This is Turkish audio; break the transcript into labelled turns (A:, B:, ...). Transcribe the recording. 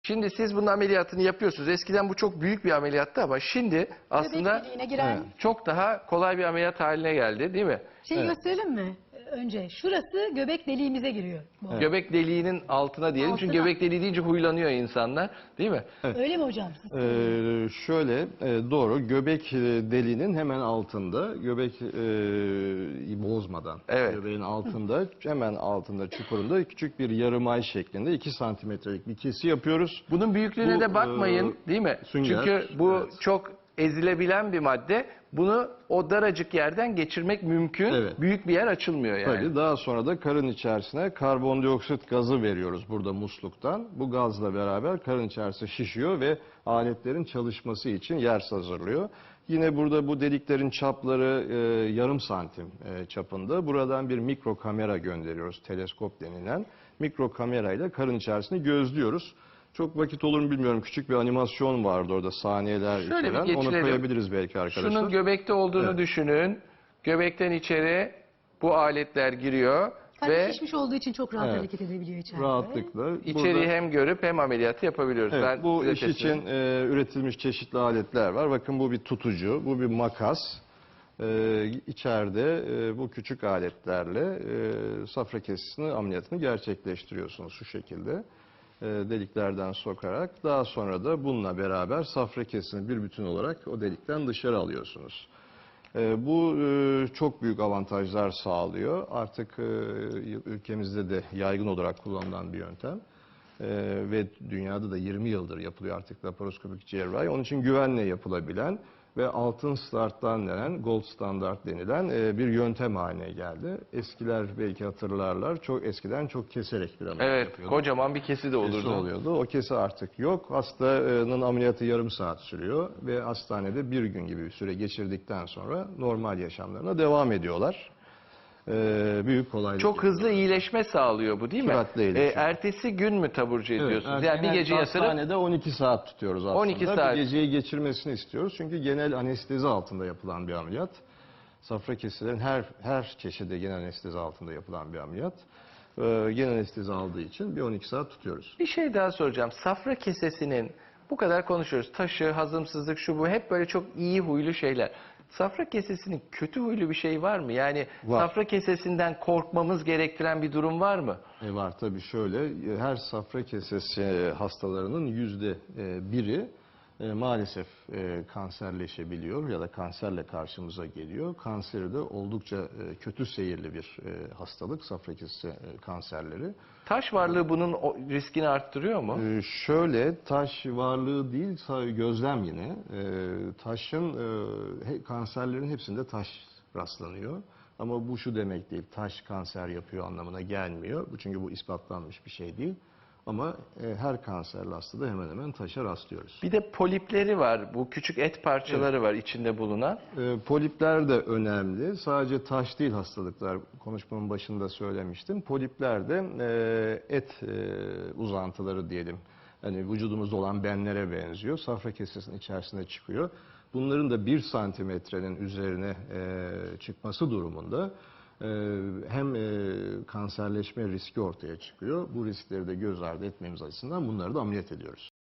A: Şimdi siz bunun ameliyatını yapıyorsunuz. Eskiden bu çok büyük bir ameliyattı ama şimdi aslında
B: Göbek deliğine giren
A: çok daha kolay bir ameliyat haline geldi, değil mi?
B: şeyi gösterelim mi? Önce şurası göbek deliğimize giriyor. Bu.
A: Göbek deliğinin altına diyelim. Çünkü
B: Altına.
A: göbek deliği deyince huylanıyor insanlar, değil mi?
B: Öyle mi hocam?
C: Doğru, göbek deliğinin hemen altında, göbek bozmadan,
A: Evet.
C: göbeğin altında, hemen altında çukurunda küçük bir yarım ay şeklinde 2 santimetrelik bir kesi yapıyoruz.
A: Bunun büyüklüğüne
C: Bu,
A: de bakmayın, değil mi?
C: sünger,
A: Çünkü bu
C: evet.
A: çok ezilebilen bir madde. Bunu o daracık yerden geçirmek mümkün.
C: Evet.
A: Büyük bir yer açılmıyor yani.
C: Tabii daha sonra da karın içerisine karbondioksit gazı veriyoruz burada musluktan. Bu gazla beraber karın içerisi şişiyor ve aletlerin çalışması için yer hazırlıyor. Yine burada bu deliklerin çapları yarım santim çapında. Buradan bir mikro kamera gönderiyoruz, teleskop denilen. Mikro kamerayla karın içerisini gözlüyoruz. Çok vakit olur mu bilmiyorum. Küçük bir animasyon vardı orada, saniyeler
A: Şöyle bir
C: içeren. Onu
A: geçirelim.
C: koyabiliriz belki arkadaşlar.
A: Şunun göbekte olduğunu
C: Evet.
A: düşünün. Göbekten içeri bu aletler giriyor
B: Hani
A: ve
B: şişmiş olduğu için çok rahat
C: Evet.
B: hareket edebiliyor içeride.
C: Rahatlıkla.
A: içeriği
C: Burada-
A: hem görüp hem ameliyatı yapabiliyoruz.
C: Evet,
A: Ben
C: bu
A: size
C: iş
A: teslim
C: için üretilmiş çeşitli aletler var. Bakın bu bir tutucu, bu bir makas. İçeride bu küçük aletlerle safra kesesini ameliyatını gerçekleştiriyorsunuz şu şekilde. Deliklerden sokarak, daha sonra da bununla beraber safra kesesini bir bütün olarak o delikten dışarı alıyorsunuz. Bu çok büyük avantajlar sağlıyor. Artık ülkemizde de yaygın olarak kullanılan bir yöntem. Ve dünyada da 20 yıldır yapılıyor artık laparoskopik cerrahi. Onun için güvenle yapılabilen ve altın starttan denen, gold standart denilen bir yöntem haline geldi. Eskiler belki hatırlarlar, çok eskiden çok keserek bir ameliyat
A: Evet,
C: yapıyordu.
A: kocaman bir kesi de olurdu.
C: Kesi oluyordu. O kesi artık yok. Hastanın ameliyatı yarım saat sürüyor ve hastanede bir gün gibi bir süre geçirdikten sonra normal yaşamlarına devam ediyorlar. Büyük kolaylık.
A: Çok hızlı iyileşme sağlıyor bu, değil mi?
C: Süratli iyileşme.
A: Ertesi gün mü taburcu ediyorsunuz?
C: Evet,
A: Yani bir gece yatırıp
C: hastanede 12 saat tutuyoruz aslında.
A: 12 saat.
C: Bir geceyi geçirmesini istiyoruz. Çünkü genel anestezi altında yapılan bir ameliyat. Safra keselerin her çeşidi genel anestezi altında yapılan bir ameliyat. Genel anestezi aldığı için bir 12 saat tutuyoruz.
A: bir şey daha soracağım. Safra kesesinin bu kadar konuşuyoruz. Taşı, hazımsızlık, şu bu hep böyle çok iyi huylu şeyler. Safra kesesinin kötü huylu bir şey var mı? Yani
C: Var.
A: safra kesesinden korkmamız gerektiren bir durum var mı?
C: Var tabii, şöyle, her safra kesesi hastalarının %1'i maalesef kanserleşebiliyor ya da kanserle karşımıza geliyor. Kanseri de oldukça kötü seyirli bir hastalık, safra kesesi kanserleri.
A: Taş varlığı bunun riskini arttırıyor mu?
C: Şöyle, taş varlığı değil, gözlem yine. Taşın, kanserlerin hepsinde taş rastlanıyor. Ama bu şu demek değil, taş kanser yapıyor anlamına gelmiyor. Çünkü bu ispatlanmış bir şey değil. Ama her kanserli hastada hemen hemen taşa rastlıyoruz.
A: Bir de polipleri var. Bu küçük et parçaları var içinde bulunan.
C: Polipler de önemli. Sadece taş değil hastalıklar. Konuşmamın başında söylemiştim. Polipler de et uzantıları diyelim. Hani vücudumuzda olan benlere benziyor. Safra kesesinin içerisinde çıkıyor. Bunların da 1 santimetrenin üzerine çıkması durumunda hem kanserleşme riski ortaya çıkıyor. Bu riskleri de göz ardı etmemiz açısından bunları da ameliyat ediyoruz.